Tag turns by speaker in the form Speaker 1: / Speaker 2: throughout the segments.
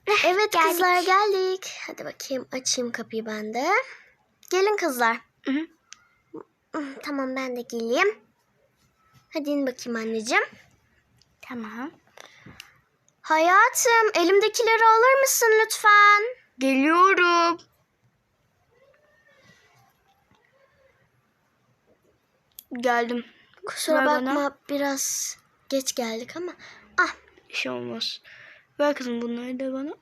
Speaker 1: Evet
Speaker 2: Geldik.
Speaker 1: kızlar geldik. Hadi bakayım açayım kapıyı ben de. Gelin kızlar.
Speaker 2: Hı.
Speaker 1: Tamam ben de geleyim. Hadi in bakayım anneciğim.
Speaker 2: Tamam.
Speaker 1: Hayatım elimdekileri alır mısın lütfen?
Speaker 2: Geliyorum. Geldim.
Speaker 1: Kusura
Speaker 2: Ver
Speaker 1: bakma
Speaker 2: bana.
Speaker 1: biraz geç geldik ama. Ah
Speaker 2: Bir şey olmaz. Ver kızım bunları da bana.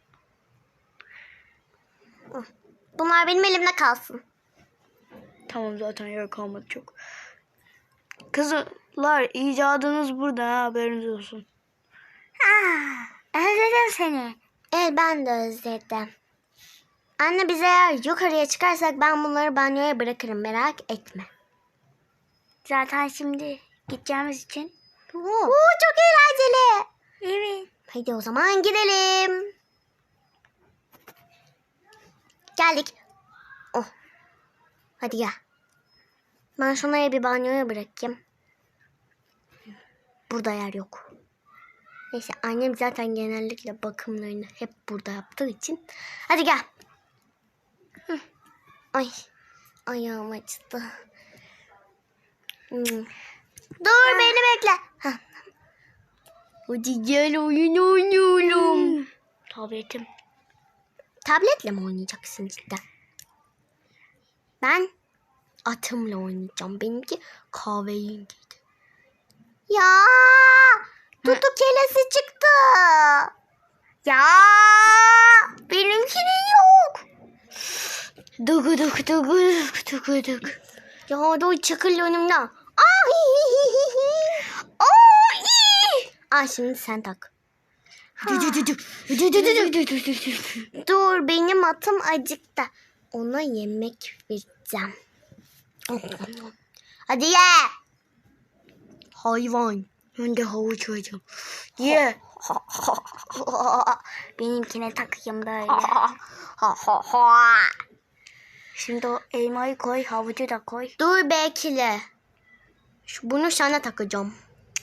Speaker 1: bunlar benim elimde kalsın.
Speaker 2: Tamam zaten yer kalmadı çok. Kızlar icadınız burada ha, haberiniz olsun. Özledim seni.
Speaker 1: Ben de özledim. Anne biz eğer yukarıya çıkarsak ben bunları banyoya bırakırım merak etme.
Speaker 2: Zaten şimdi gideceğimiz için.
Speaker 1: Çok eğlenceli.
Speaker 2: Evet.
Speaker 1: Hadi o zaman gidelim. Geldik. Oh. Hadi gel. Ben şunları bir banyoya bırakayım. Burada yer yok. Neyse annem zaten genellikle bakımlarını hep burada yaptığı için. Hadi gel. Ay. Ayağım acıdı. Dur beni bekle. Hah. Hadi gel oyun oynayalım.
Speaker 2: Tabletim.
Speaker 1: Tabletle mi oynayacaksın cidden? Ben atımla oynayacağım. Benimki kahverengiydi. Ya tutu kelesi çıktı. Ya benimkinin yok.
Speaker 2: Dugu duk dugu duk dugu duk.
Speaker 1: Ya dur çakıl önümden. Ay şimdi sen tak. Dur benim atım acıktı. Ona yemek vereceğim. Hadi ye. Hayvan.
Speaker 2: Ben de havuç yiyeceğim. Ye.
Speaker 1: Benimkine takayım böyle.
Speaker 2: Şimdi o elmayı koy, havucu da koy.
Speaker 1: Dur bekle. Bunu sana takacağım.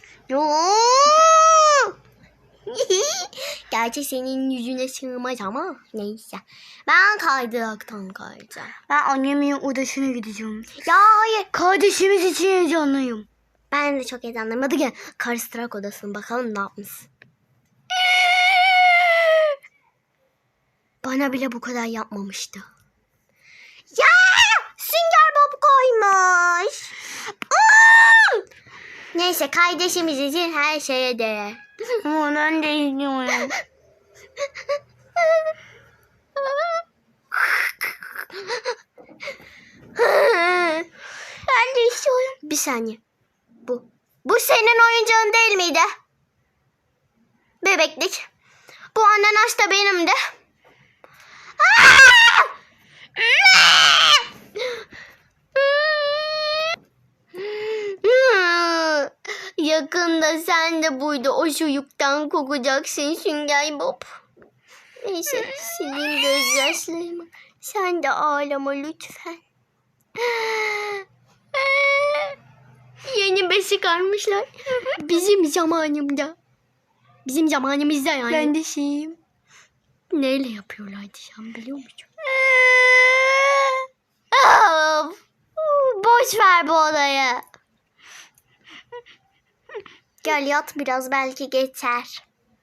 Speaker 1: Gerçi senin yüzüne sığmaz ama neyse. Ben kaydıraktan kayacağım.
Speaker 2: Ben annemin odasına gideceğim.
Speaker 1: Ya hayır.
Speaker 2: Kardeşimiz için heyecanlıyım.
Speaker 1: Ben de çok heyecanlıyım. Hadi gel. Karıştırak odasına bakalım ne yapmış. Bana bile bu kadar yapmamıştı. Ya! Sünger Bob koymuş. Neyse kardeşimiz için her şeye değer.
Speaker 2: Ama ben de izliyorum.
Speaker 1: Ben de istiyorum. Bir saniye. Bu senin oyuncağın değil miydi? Bebeklik. Bu ananas da benim de. Yakında sen de burada o çocuktan kokacaksın Sünger Bob. Neyse sileyim gözyaşlarımı. Sen de ağlama lütfen. Yeni besi çıkarmışlar. Bizim zamanımda. Bizim zamanımızda yani.
Speaker 2: Ben de şeyim.
Speaker 1: Neyle yapıyorlardı sen biliyor musun? Of! Boş ver bu olayı. Gel yat biraz belki geçer.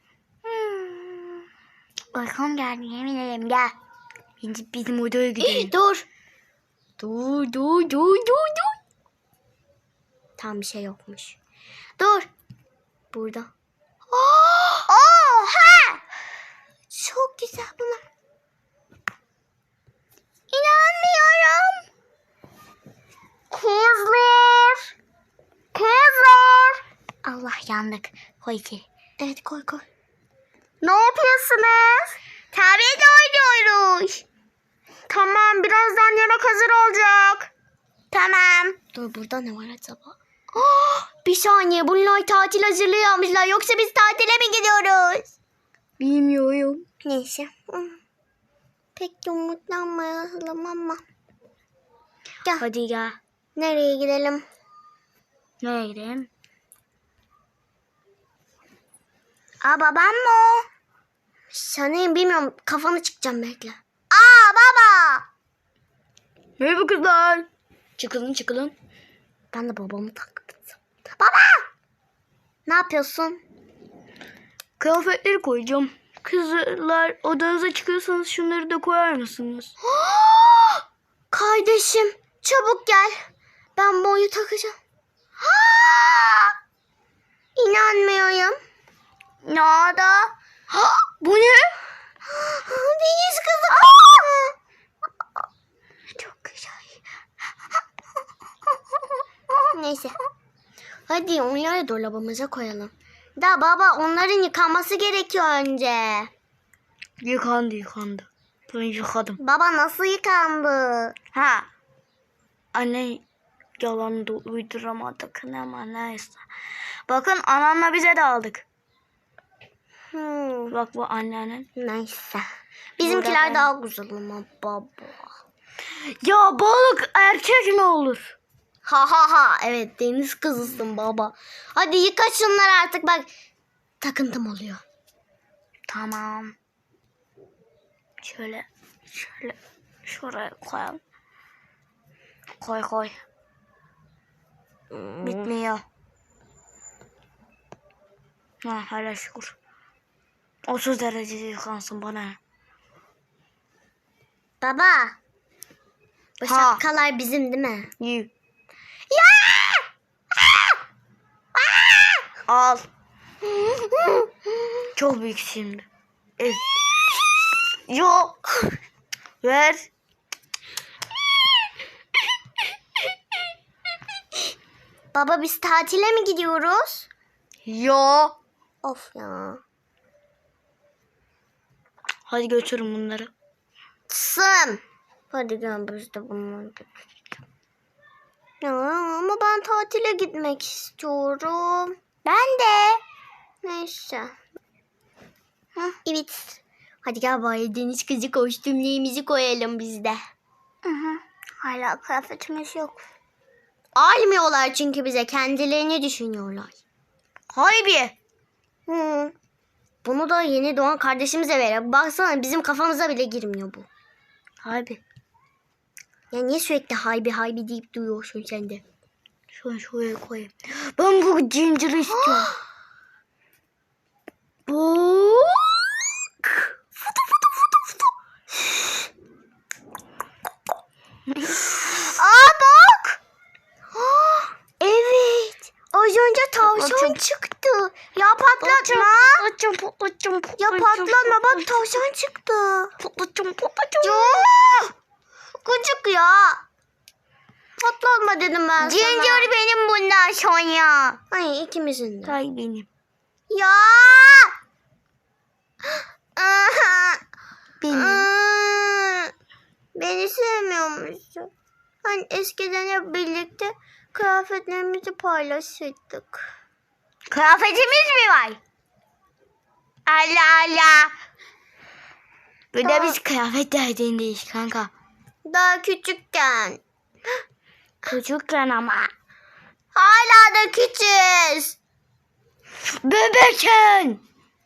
Speaker 2: Uykum geldi yemin ederim gel. Şimdi bizim odaya gidelim.
Speaker 1: Dur. Dur. Tam bir şey yokmuş. Dur. Burada. Oha! Çok güzel bunlar. İnanmıyorum. Kızlar.
Speaker 2: Allah yandık. Koy içeri.
Speaker 1: Evet koy. Ne yapıyorsunuz? Tablet oynuyoruz. Tamam birazdan yemek hazır olacak. Tamam. Dur burada ne var acaba? Bir saniye bunlar tatil hazırlığı yapmışlar. Yoksa biz tatile mi gidiyoruz?
Speaker 2: Bilmiyorum.
Speaker 1: Neyse. Pek de umutlanmayalım ama. Gel.
Speaker 2: Hadi gel.
Speaker 1: Nereye gidelim?
Speaker 2: Nereye gidelim?
Speaker 1: Babam mı o? Sanayım bilmiyorum. Kafanı çıkacağım bekle. Aa baba.
Speaker 2: Merhaba kızlar. Çıkılın.
Speaker 1: Ben de babamı taktım. Baba. Ne yapıyorsun?
Speaker 2: Kıyafetleri koyacağım. Kızlar odanıza çıkıyorsanız şunları da koyar mısınız?
Speaker 1: Kardeşim çabuk gel. Ben boyu takacağım. İnanmıyorum.
Speaker 2: Ne oldu? Bu ne?
Speaker 1: Deniz kızı. Çok güzel. Neyse. Hadi onları dolabımıza koyalım. Da baba onların yıkanması gerekiyor önce.
Speaker 2: Yıkandı. Ben yıkadım.
Speaker 1: Baba nasıl yıkandı?
Speaker 2: Ha. Anne yalan da uyduramadık ama neyse. Bakın anamla bize de aldık. Bak bu annenin.
Speaker 1: Neyse. Bizimkiler
Speaker 2: Burada
Speaker 1: daha güzel ama baba.
Speaker 2: Ya balık erkek mi olur?
Speaker 1: Ha evet deniz kızısın baba. Hadi yıka şunları artık bak. Takıntım oluyor.
Speaker 2: Tamam. Şöyle şuraya koyalım. Koy. Bitmiyor. Ha hala şükür. 30 derecede yıkansın bana.
Speaker 1: Baba. Bu
Speaker 2: Ha.
Speaker 1: şapkalar bizim değil mi?
Speaker 2: İyi.
Speaker 1: Ya!
Speaker 2: Al. Çok büyük şimdi. Evet. Yok. Ver.
Speaker 1: Baba biz tatile mi gidiyoruz?
Speaker 2: Yo.
Speaker 1: Of ya.
Speaker 2: Hadi götürün bunları.
Speaker 1: Sım. Hadi gel biz de bunları. Ya ama ben tatile gitmek istiyorum.
Speaker 2: Ben de.
Speaker 1: Neyse. Evet. Hadi gel bari deniz kızı kostümlerimizi koyalım biz de.
Speaker 2: Hala kıyafetimiz yok.
Speaker 1: Almıyorlar çünkü bize. Kendilerini düşünüyorlar.
Speaker 2: Haybi.
Speaker 1: Hı. Bunu da yeni doğan kardeşimize verelim. Baksana bizim kafamıza bile girmiyor bu.
Speaker 2: Haybi.
Speaker 1: Ya niye sürekli haybi deyip duyuyorsun sen de?
Speaker 2: Şuraya koyayım. Ben bu Ginger'ı istiyorum. Bak.
Speaker 1: Aa bak. Evet. Az önce tavşan
Speaker 2: Patlatacağım.
Speaker 1: çıktı. Ya patlatma.
Speaker 2: Patlatacağım.
Speaker 1: Ya patlatma bak tavşan çıktı.
Speaker 2: Patlatacağım.
Speaker 1: Ya. Gıcık ya. Patlatma dedim ben sana.
Speaker 2: Ginger benim bundan sonra.
Speaker 1: Ay ikimizin de.
Speaker 2: Hay benim.
Speaker 1: Ya.
Speaker 2: Benim.
Speaker 1: Beni sevmiyormuşsun. Hani eskiden hep birlikte kıyafetlerimizi paylaşırdık.
Speaker 2: Kıyafetimiz mi var? Allah Allah. Bir de
Speaker 1: Tamam.
Speaker 2: biz kıyafet derdindeyiz kanka.
Speaker 1: Daha küçükken.
Speaker 2: Çocukken ama.
Speaker 1: Hala da küçüğüz.
Speaker 2: Bebekken.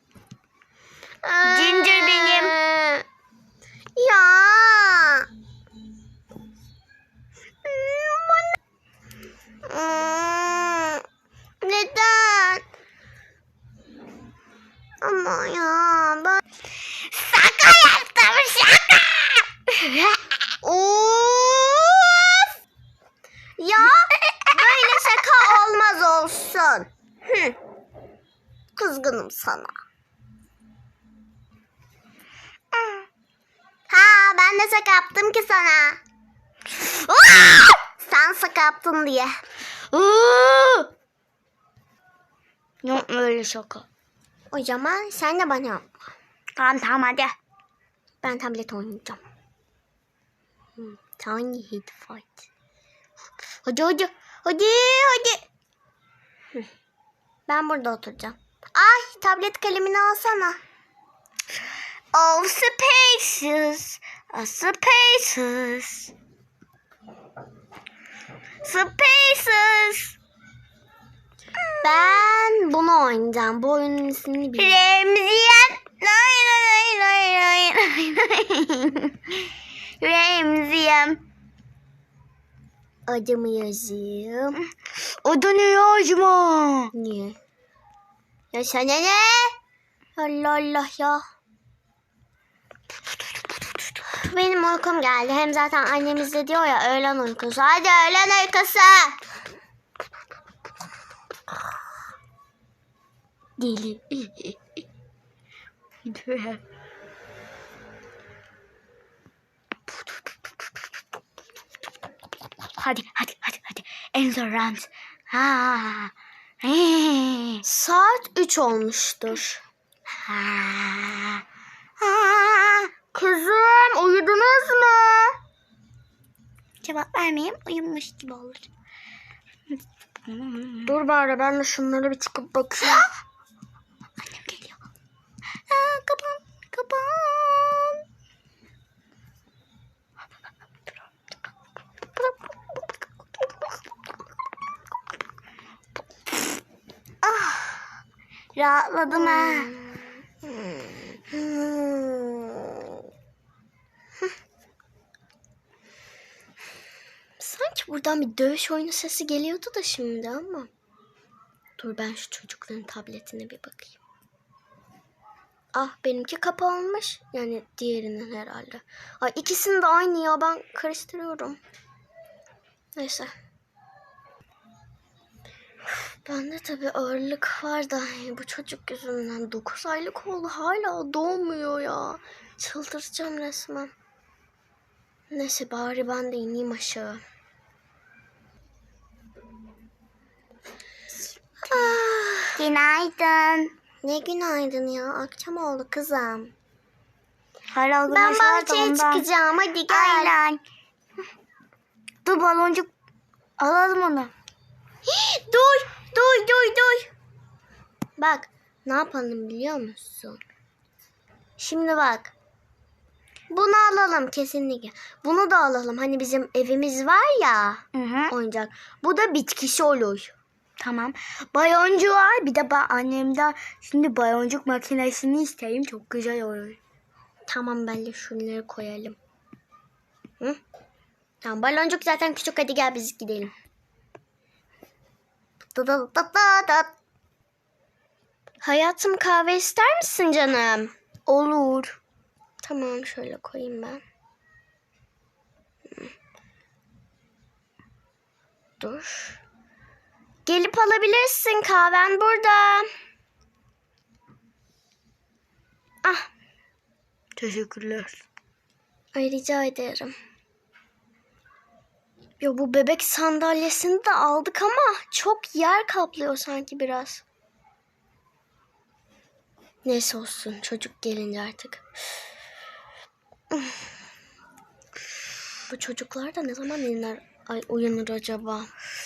Speaker 2: Ginger benim.
Speaker 1: Ya. Neden? Ama ya ben...
Speaker 2: Şaka yaptım şaka.
Speaker 1: Of! Ya böyle şaka olmaz olsun. Kızgınım sana. Ha ben de şaka yaptım ki sana. Sen şaka yaptın diye.
Speaker 2: Yok öyle şaka.
Speaker 1: O zaman sen de bana yapma.
Speaker 2: Tamam hadi.
Speaker 1: Ben tablet oynayacağım. Tiny hit fight. Hadi. Ben burada oturacağım. Ay tablet kalemini alsana.
Speaker 2: Oh spaces. Spaces. Spaces.
Speaker 1: Ben bunu oynayacağım. Bu oyunun ismini bilmiyorum.
Speaker 2: Remziyen. Nay nay
Speaker 1: Adımı yazayım.
Speaker 2: Adını yazma.
Speaker 1: Niye? Ya sana ne? Allah Allah ya. Benim uykum geldi. Hem zaten annemiz de diyor ya öğlen uykusu. Hadi öğlen uykusu.
Speaker 2: Deli. Hadi. Endurance. Ha.
Speaker 1: Saat 3 olmuştur.
Speaker 2: Ha.
Speaker 1: Kızım uyudunuz mu?
Speaker 2: Cevap vermeyeyim, uyumuş gibi olur.
Speaker 1: Dur bari ben de şunları bir çıkıp bakayım.
Speaker 2: Annem geliyor. Kapan. Rahatladım ha.
Speaker 1: Sanki buradan bir dövüş oyunu sesi geliyordu da şimdi ama. Dur ben şu çocukların tabletine bir bakayım. Ah benimki kapanmış. Yani diğerinin herhalde. Ay ikisinin de aynı ya, ben karıştırıyorum. Neyse. Bende tabii ağırlık var da bu çocuk yüzünden 9 aylık oldu, hala doğmuyor ya. Çıldıracağım resmen. Neyse bari ben de ineyim aşağı.
Speaker 2: Günaydın.
Speaker 1: Ne günaydın ya, akşam oldu kızım.
Speaker 2: Hala
Speaker 1: Ben
Speaker 2: güneş var da
Speaker 1: bahçeye
Speaker 2: ondan.
Speaker 1: çıkacağım, hadi gel.
Speaker 2: Aynen. Dur baloncuk alalım onu.
Speaker 1: Dur. Bak ne yapalım biliyor musun? Şimdi bak. Bunu alalım kesinlikle. Bunu da alalım. Hani bizim evimiz var ya,
Speaker 2: Hı.
Speaker 1: oyuncak. Bu da bitkisi olur.
Speaker 2: Tamam. Baloncu var. Bir de annemden şimdi baloncuk makinesini isteyeyim. Çok güzel olur.
Speaker 1: Tamam ben de şunları koyalım. Hı? Tamam baloncuk zaten küçük, hadi gel biz gidelim. Hayatım kahve ister misin canım?
Speaker 2: Olur.
Speaker 1: Tamam şöyle koyayım ben. Dur. Gelip alabilirsin, kahven burada. Ah,
Speaker 2: Teşekkürler.
Speaker 1: ay rica ederim. Ya bu bebek sandalyesini de aldık ama çok yer kaplıyor sanki biraz. Neyse olsun, çocuk gelince artık. Bu çocuklar da ne zaman uyanır acaba?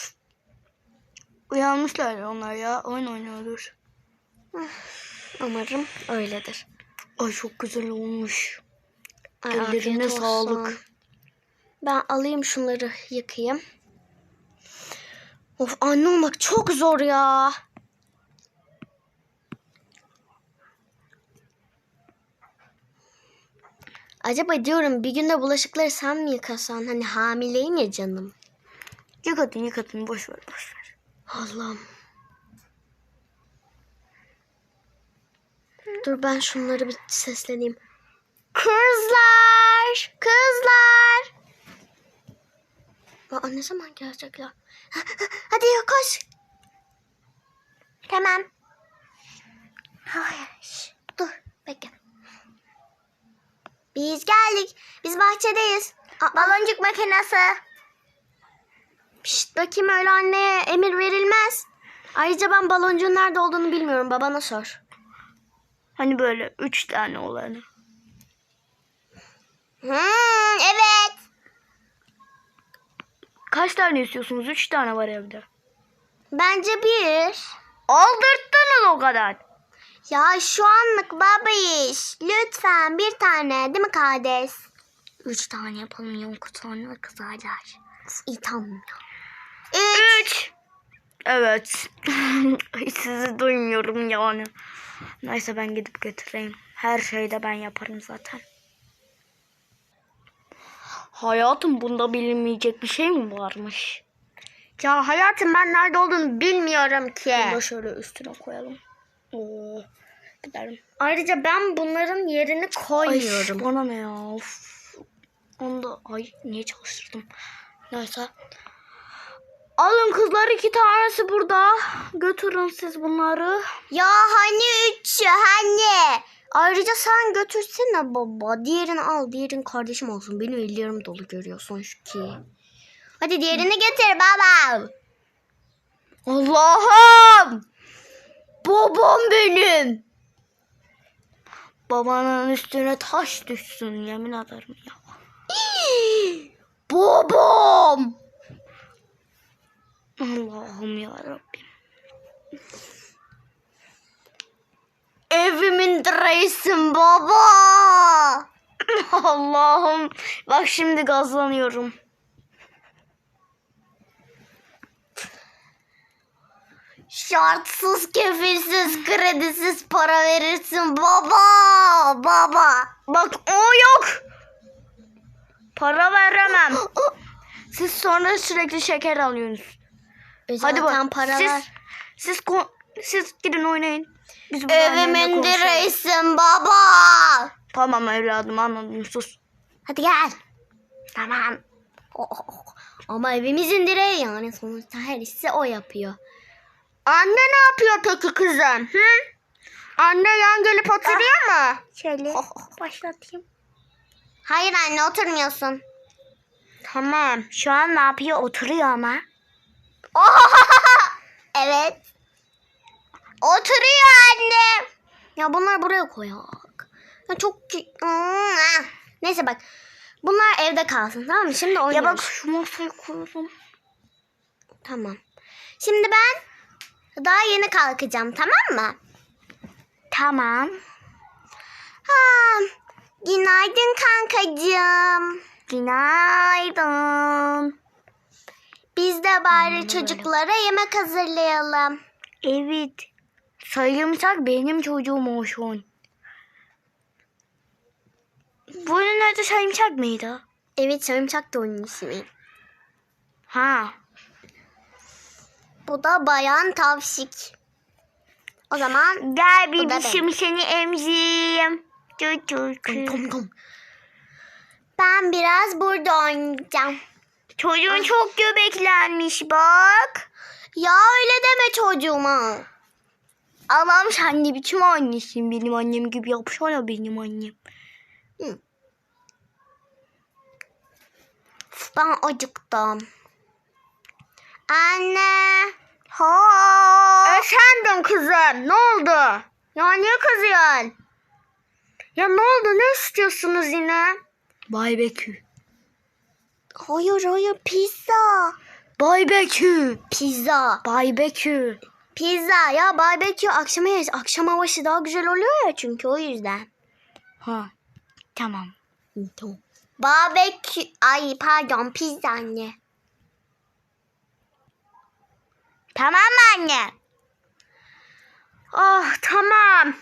Speaker 2: Uyanmışlar onlar ya. Oyun oynuyordur.
Speaker 1: Umarım öyledir.
Speaker 2: Ay çok güzel olmuş.
Speaker 1: Ay,
Speaker 2: Ellerine
Speaker 1: afiyet olsun.
Speaker 2: sağlık.
Speaker 1: Ben alayım şunları, yıkayayım. Of, anne olmak çok zor ya. Acaba diyorum bir günde bulaşıkları sen mi yıkasan? Hani hamileyim ya canım.
Speaker 2: Yıkatın. Boş ver.
Speaker 1: Allah'ım. Dur ben şunları bir sesleneyim. Kızlar! Aa, ne zaman gelecekler? Hadi ya koş. Tamam. Hayır. Dur bekle. Biz geldik. Biz bahçedeyiz. Baloncuk makinesi. Pişt bakayım, öyle anneye emir verilmez. Ayrıca ben baloncuğun nerede olduğunu bilmiyorum. Babana sor.
Speaker 2: Hani böyle 3 tane olanı.
Speaker 1: Evet.
Speaker 2: Kaç tane istiyorsunuz? 3 tane var evde.
Speaker 1: Bence bir.
Speaker 2: Aldırttınız o kadar.
Speaker 1: Ya şu anlık baba iş. Lütfen bir tane, değil mi kardeş?
Speaker 2: 3 tane yapalım. Yok sonra kızarlar.
Speaker 1: İyi tamam ya.
Speaker 2: 3. Evet. Hiç sizi duymuyorum yani. Neyse ben gidip getireyim. Her şeyi de ben yaparım zaten. Hayatım, bunda bilinmeyecek bir şey mi varmış?
Speaker 1: Ya hayatım, ben nerede olduğunu bilmiyorum ki.
Speaker 2: Bunu da şöyle üstüne koyalım. Oo, gidelim.
Speaker 1: Ayrıca ben bunların yerini koymuyorum.
Speaker 2: Ay, bana ne ya? Of. Onu da niye çalıştırdım? Neyse. Alın kızlar, 2 tanesi burada. Götürün siz bunları.
Speaker 1: Ya hani 3 hani. Ayrıca sen götürsene baba. Diğerini al. Diğerin kardeşim olsun. Benim ellerim dolu, görüyorsun şu ki. Hadi diğerini getir baba.
Speaker 2: Allah'ım! Babam benim. Babanın üstüne taş düşsün, yemin ederim ya. Babam! Allah'ım yarabbim.
Speaker 1: Evimin direğisin baba.
Speaker 2: Allah'ım. Bak şimdi gazlanıyorum.
Speaker 1: Şartsız, kefilsiz, kredisiz para verirsin baba. Baba.
Speaker 2: Bak o yok. Para veremem. Siz sonra sürekli şeker alıyorsunuz. Hadi bak.
Speaker 1: para
Speaker 2: siz,
Speaker 1: ver.
Speaker 2: siz gidin oynayın. Biz burada annemle
Speaker 1: Evimin
Speaker 2: konuşalım.
Speaker 1: direğisin baba.
Speaker 2: Tamam evladım, anladım, sus.
Speaker 1: Hadi gel. Tamam. Oh. Ama evimizin direği, yani sonuçta her işi o yapıyor. Anne ne yapıyor peki kızım? Hı? Anne yan gelip oturuyor mu?
Speaker 2: Şöyle başlatayım.
Speaker 1: Hayır anne, oturmuyorsun. Tamam.
Speaker 2: Şu an ne yapıyor? Oturuyor ama.
Speaker 1: Evet. Oturuyor anne. Ya bunlar buraya koyak. Ya çok... Neyse bak. Bunlar evde kalsın, tamam mı? Şimdi oynuyoruz.
Speaker 2: Ya bak, şu masayı koyalım.
Speaker 1: Tamam. Şimdi ben daha yeni kalkacağım, tamam mı?
Speaker 2: Tamam.
Speaker 1: Ha, günaydın kankacığım.
Speaker 2: Günaydın.
Speaker 1: Biz de bari çocuklara yemek hazırlayalım.
Speaker 2: Evet. Sarımsak benim çocuğum olsun. Bunun adı sarımsak mıydı?
Speaker 1: Evet, sarımsak da onun ismi.
Speaker 2: Ha.
Speaker 1: Bu da bayan tavşik. O zaman
Speaker 2: Gel
Speaker 1: Bu da
Speaker 2: bebişim, seni emzireyim. Çocuk.
Speaker 1: Tom. Ben biraz burada oynayacağım.
Speaker 2: Çocuğun çok göbeklenmiş bak.
Speaker 1: Ya öyle deme çocuğuma.
Speaker 2: Allah'ım, sen ne biçim annesin, benim annem gibi yapsana benim annem.
Speaker 1: Ben acıktım. Anne.
Speaker 2: Ha.
Speaker 1: Efendim kızım, ne oldu? Ya niye kızıyorsun? Ya ne oldu, ne istiyorsunuz yine?
Speaker 2: Barbekü.
Speaker 1: Hayır, pizza.
Speaker 2: Barbekü.
Speaker 1: Pizza.
Speaker 2: Barbekü.
Speaker 1: Pizza ya, barbekü akşama yeriz. Akşam havası daha güzel oluyor ya, çünkü o yüzden.
Speaker 2: Ha. Tamam.
Speaker 1: Tamam. Barbekü, pardon, pizza anne.
Speaker 2: Tamam mı anne?
Speaker 1: Ah tamam.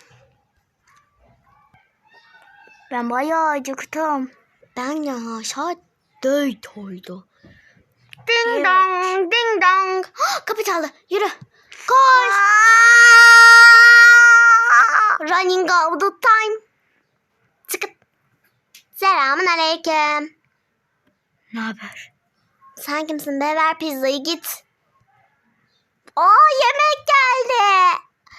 Speaker 2: Ben bayağı acıktım.
Speaker 1: Ben ya saat 4 oldu. Ding
Speaker 2: Evet.
Speaker 1: dong, ding dong. Kapı çaldı. Yürü. Koş. Running out the time. Çıkıt. Selamun aleyküm.
Speaker 2: Ne haber?
Speaker 1: Sen kimsin be? Ver pizzayı, git. Yemek geldi.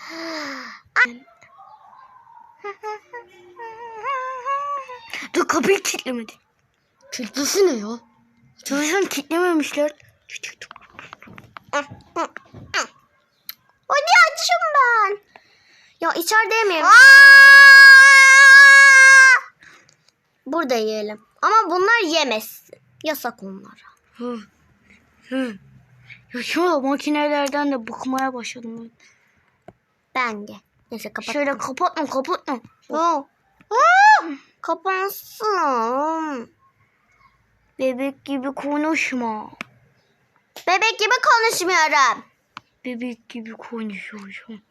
Speaker 2: Dur, kapıyı kilitlemedi.
Speaker 1: Kilitlisin ne ya?
Speaker 2: Çalışan kilitlememişler.
Speaker 1: Hadi açım ben. Ya içeride yemeyeyim. Burada yiyelim. Ama bunlar yemesin. Yasak onlara.
Speaker 2: Hı. Ya şu makinelerden de bıkmaya başladım ben.
Speaker 1: Ben de. Neyse kapat.
Speaker 2: Şöyle kapatma.
Speaker 1: Kapansın.
Speaker 2: Bebek gibi konuşma.
Speaker 1: Bebek gibi konuşmuyorum.
Speaker 2: Bebek gibi konuşuyorsun.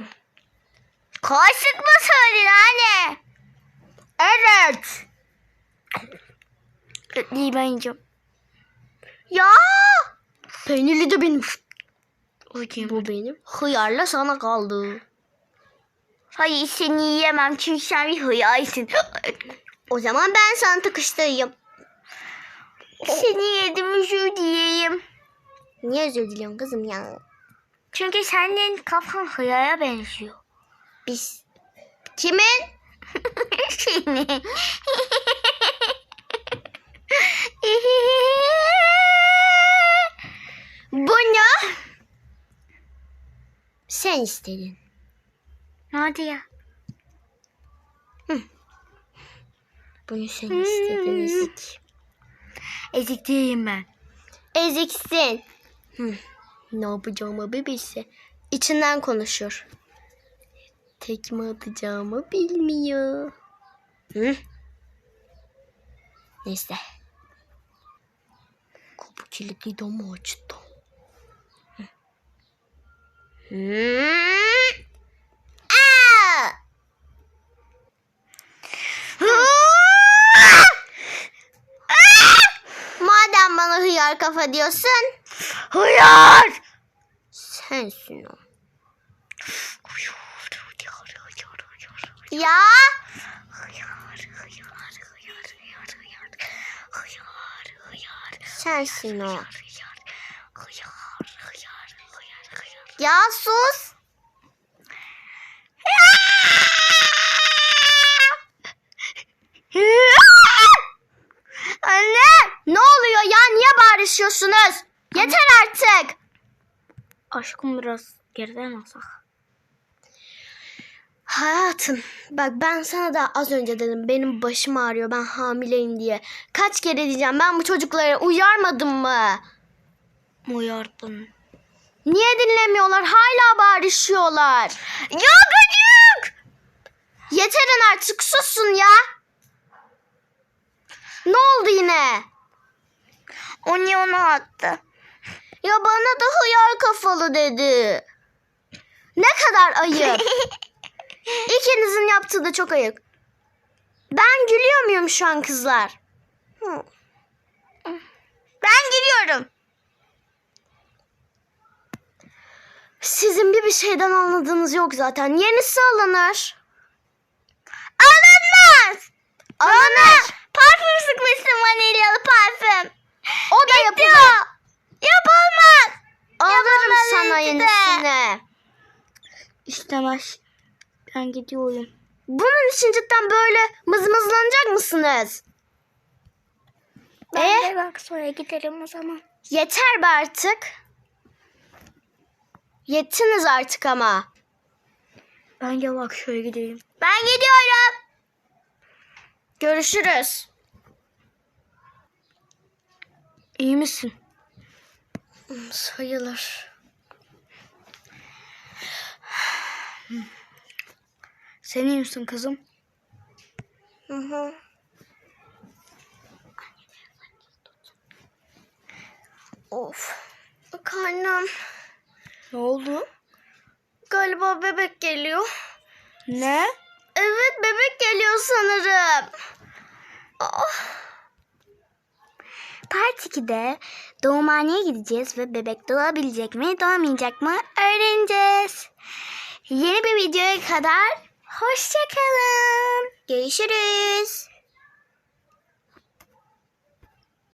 Speaker 2: Kaşık mı söyledin anne?
Speaker 1: Evet.
Speaker 2: Etliyi ben yiyeceğim.
Speaker 1: Ya
Speaker 2: Peynirli de benim. Bakayım.
Speaker 1: bu benim. Hıyarla sana kaldı.
Speaker 2: Hayır seni yiyemem çünkü sen bir hıyarsın.
Speaker 1: O zaman ben sana tıkıştırayım.
Speaker 2: Seni yedim özür dileyim.
Speaker 1: Niye özür diliyorsun kızım ya?
Speaker 2: Çünkü senin kafan hıyara benziyor.
Speaker 1: Biz kimin?
Speaker 2: Seni.
Speaker 1: Bunu sen istedin.
Speaker 2: Hadi ya.
Speaker 1: Bunu sen istedin ezik.
Speaker 2: Ezik değilim ben.
Speaker 1: Eziksin. Ne yapacağımı bir bilse. İçinden konuşur. Tekme atacağımı bilmiyor. Neyse. Kapı kilitliydi ama açtı. Aa! Madem bana hıyar kafa diyorsun,
Speaker 2: Hıyar.
Speaker 1: sensin o. Ya sensin o. Ya sus.
Speaker 2: Anne.
Speaker 1: Ne oluyor ya? Niye bağırışıyorsunuz? Yeter artık.
Speaker 2: Aşkım biraz geriden alsak.
Speaker 1: Hayatım bak ben sana da az önce dedim benim başım ağrıyor ben hamileyim diye. Kaç kere diyeceğim ben bu çocuklara uyarmadım mı?
Speaker 2: Uyardın.
Speaker 1: Niye dinlemiyorlar? Hala bağırışıyorlar.
Speaker 2: Ya gıcık.
Speaker 1: Yeterin artık susun ya. Ne oldu yine?
Speaker 2: O niye onu attı?
Speaker 1: Ya bana da hıyar kafalı dedi. Ne kadar ayıp. İkinizin yaptığı da çok ayıp. Ben gülüyor muyum şu an kızlar?
Speaker 2: Ben giriyorum.
Speaker 1: Sizin bir şeyden anladığınız yok zaten. Yenisi alınır.
Speaker 2: Alınmaz.
Speaker 1: Alınır.
Speaker 2: Parfüm sıkmışsın vanilyalı parfüm.
Speaker 1: O da yapılır.
Speaker 2: Yapılmaz.
Speaker 1: Alırım
Speaker 2: Yapılmaz
Speaker 1: sana
Speaker 2: işte.
Speaker 1: yenisini.
Speaker 2: İstemez. Ben gidiyorum.
Speaker 1: Bunun için cidden böyle mızmızlanacak mısınız?
Speaker 2: Ben de bak sonra giderim o zaman.
Speaker 1: Yeter be artık. Yettiniz artık ama.
Speaker 2: Bence bak şöyle gideyim. Ben gidiyorum.
Speaker 1: Görüşürüz.
Speaker 2: İyi misin?
Speaker 1: Sayılır.
Speaker 2: Sen iyi misin kızım?
Speaker 1: Hı. Of. Karnım.
Speaker 2: Ne oldu?
Speaker 1: Galiba bebek geliyor.
Speaker 2: Ne?
Speaker 1: Evet bebek geliyor sanırım.
Speaker 2: Part 2'de doğumhaneye gideceğiz ve bebek doğabilecek mi doğamayacak mı öğreneceğiz. Yeni bir videoya kadar hoşça kalın.
Speaker 1: Görüşürüz.